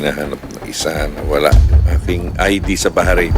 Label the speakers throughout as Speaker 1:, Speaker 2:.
Speaker 1: hinahanap na isa na wala yung aking ID sa Bahrain.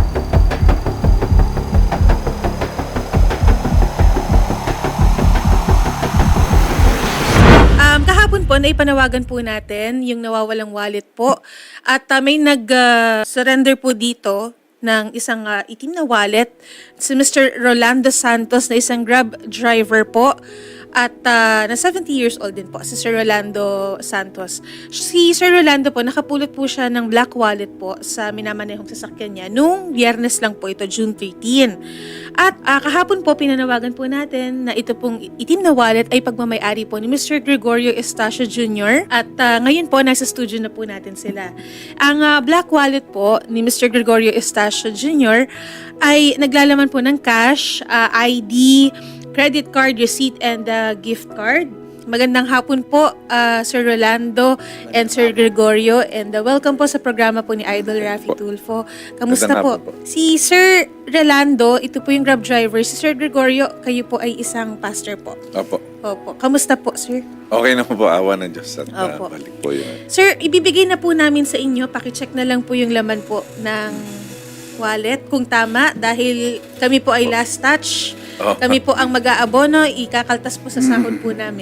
Speaker 2: Kahapon po, naipanawagan po natin yung nawawalang wallet po. At may nag-surrender po dito ng isang itim na wallet. Si Mr. Rolando Santos na isang Grab driver po. At na 70 years old din po, si Sir Rolando Santos. Si Sir Rolando po, nakapulot po siya ng black wallet po sa minamanehong sasakyan niya nung Biyernes lang po ito, June 13. At kahapon po, pinanawagan po natin na ito pong itim na wallet ay pagmamayari po ni Mr. Gregorio Estacio Jr. At ngayon po, nasa studio na po natin sila. Ang black wallet po ni Mr. Gregorio Estacio Jr. ay naglalaman po ng cash, ID, credit card, receipt, and gift card. Magandang hapon po, Sir Rolando and Sir Gregorio. And welcome po sa programa po ni Idol Raffy Tulfo. Kamusta po? Si Sir Rolando, ito po yung Grab driver. Si Sir Gregorio, kayo po ay isang pastor po.
Speaker 1: Opo.
Speaker 2: Opo. Kamusta po, Sir?
Speaker 1: Okay na po, awa ng Diyos at
Speaker 2: Opo.
Speaker 1: balik po yun.
Speaker 2: Sir, ibibigay na po namin sa inyo. Pakicheck na lang po yung laman po ng wallet kung tama dahil kami po ay last touch. Kami po ang mag-aabono, ikakaltas po sa sahod po namin.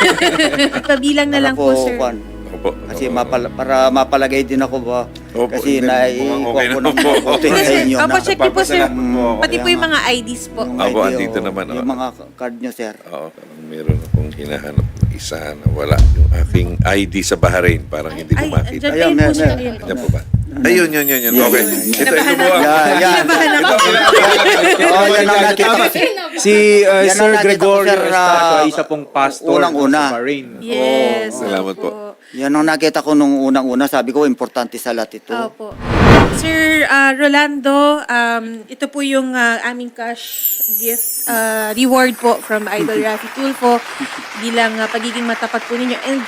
Speaker 2: Pabilang na lang po, sir.
Speaker 1: Opo.
Speaker 3: Kasi para mapalagay din ako ba?
Speaker 1: Opo,
Speaker 3: Kasi
Speaker 1: hindi.
Speaker 3: naiikuha ko ng
Speaker 1: Okay na po.
Speaker 3: konti sa inyo.
Speaker 2: Opo, check niyo po, sir.
Speaker 1: Papasalamat po.
Speaker 2: Pati po yung mga IDs po.
Speaker 3: Yung
Speaker 1: Opo,
Speaker 3: ID,
Speaker 1: andito
Speaker 3: oh,
Speaker 1: naman,
Speaker 3: yung mga card nyo, sir.
Speaker 1: Oo, parang meron akong hinahanap na isa na wala yung aking ID sa Bahrain. Parang hindi ko makita.
Speaker 2: Andyan po siya ngayon po.
Speaker 1: Ayan po ba? Ayun, yun. Okay. Ito po ang...
Speaker 3: Yan.
Speaker 2: Kinabahan ako.
Speaker 3: Oh, yan ang nakita ko.
Speaker 4: Si
Speaker 3: Yan
Speaker 4: Sir
Speaker 3: ang nakita ko,
Speaker 4: Gregorio
Speaker 3: sir,
Speaker 4: Estacio ay isa pong pastor
Speaker 3: unang-una.
Speaker 4: sa Bahrain.
Speaker 2: Yes.
Speaker 1: Salamat po.
Speaker 3: Yan ang nakita ko nung unang-una. Sabi ko, importante sa lahat ito.
Speaker 2: Opo. Sir Rolando, ito po yung aming cash gift reward po from Idol Raffy Tulfo bilang pagiging matapat po ninyo. And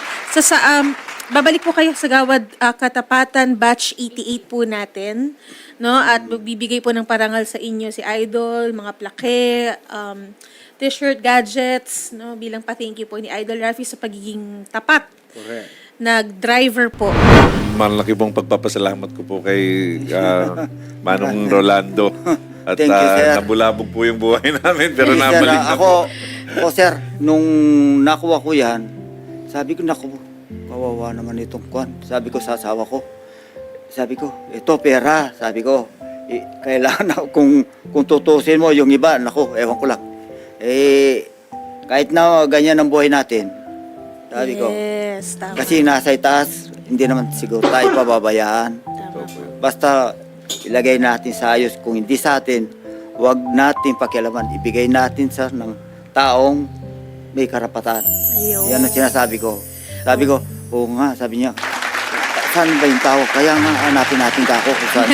Speaker 2: babalik po kayo sa Gawad Katapatan Batch 88 po natin, no? At magbibigay po ng parangal sa inyo si Idol, mga plake, t-shirt, gadgets, no? Bilang pa-thank you po ni Idol Raffy sa pagiging tapat.
Speaker 4: Correct.
Speaker 2: Nag-driver po.
Speaker 1: Malaki pong pagpapasalamat ko po kay Manong Rolando. At
Speaker 3: Thank you, sir.
Speaker 1: nabulabog po yung buhay namin pero
Speaker 3: Sir,
Speaker 1: nabalik na po.
Speaker 3: ako, sir, nung nakuha ko yan, sabi ko, naku, kawawa naman itong kwan. Sabi ko sa asawa ko, sabi ko, ito pera. Sabi ko, kailangan na, kung tutusin mo yung iba, naku, ewan ko lang. Kahit na ganyan ang buhay natin, sabi ko,
Speaker 2: Yes, tama.
Speaker 3: kasi nasa itaas, hindi naman siguro tayo pababayaan.
Speaker 2: Tama po.
Speaker 3: Basta ilagay natin sa ayos. Kung hindi sa atin, huwag natin pakialaman. Ibigay natin sa ng taong may karapatan.
Speaker 2: Ayun.
Speaker 3: Yan ang sinasabi ko. Sabi ko, oo nga, sabi niya, saan ba yung tao? Kaya nga hanapin natin kako kung saan.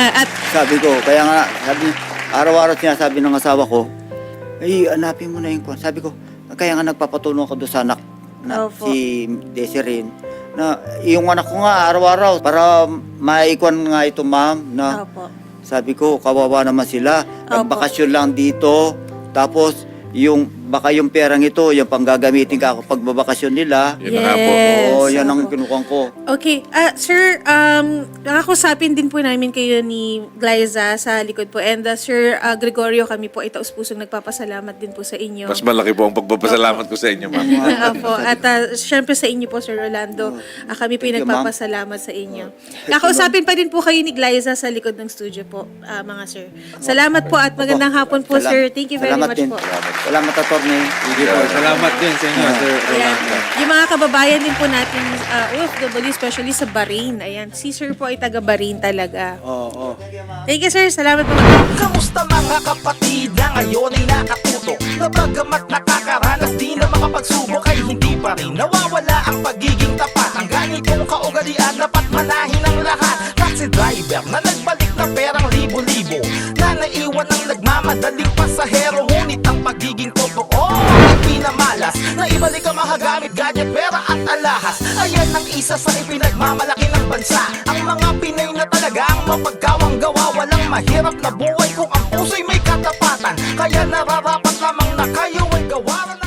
Speaker 3: Sabi ko, kaya nga, sabi niya, araw-araw sinasabi ng asawa ko, ay, hanapin mo na yung kwan. Sabi ko, kaya nga nagpapatulong ako doon sa anak na
Speaker 2: Opo.
Speaker 3: si Desiree, na yung anak ko nga araw-araw para maikwan nga ito, ma'am, na
Speaker 2: Opo.
Speaker 3: sabi ko, kawawa naman sila. Nagbakasyon lang dito. Tapos, baka yung perang ito, yung panggagamitin ka pag babakasyon nila.
Speaker 1: Yun na nga po.
Speaker 3: Oo, yan ang
Speaker 2: Opo.
Speaker 3: kinukuhan ko.
Speaker 2: Okay. Sir, nakakusapin din po namin kayo ni Glyza sa likod po. And Sir Gregorio, kami po ay taus-pusong nagpapasalamat din po sa inyo.
Speaker 1: Mas malaki po ang pagpapasalamat ko sa inyo, ma'am.
Speaker 2: Opo. At syempre sa inyo po, Sir Rolando, kami po ay
Speaker 3: Thank you, ma'am.
Speaker 2: nagpapasalamat sa inyo. Nakausapin pa din po kayo ni Glyza sa likod ng studio po, mga sir. Salamat po at magandang hapon po, sir. Thank you very
Speaker 3: Salamat
Speaker 2: much
Speaker 3: din.
Speaker 2: po.
Speaker 3: Salamat, attorney.
Speaker 4: Salamat din sa inyo, Sir
Speaker 2: Ayan.
Speaker 4: Rolando.
Speaker 2: Yung mga kababayan din po natin, OFW, especially sa Bahrain. Ayan, si sir po ay taga Bahrain talaga.
Speaker 3: Oo.
Speaker 2: Thank you, sir. Salamat po.
Speaker 5: Kamusta mga kapatid na ngayon ay nakatuto na bagamat nakakaranas di na makapagsubok ay hindi pa rin nawawala ang pagiging tapat. Ang ganitong kaugalian dapat manahin ng lahat. Taxi driver na nagbalik na perang libo-libo na naiwan ang nagmamadaling pasahero. Ngunit ang pagiging totoo ay pinamalas na ibalik ang mahagamit, gadget, pera at alahas. Ayan ang isa sa ipinagmamalaki ng bansa. Ang mga Pinay na talaga ang mapagkawang gawa. Walang mahirap na buhay kung ang puso'y may katapatan. Kaya nararapat lamang na kayo ay gawaran.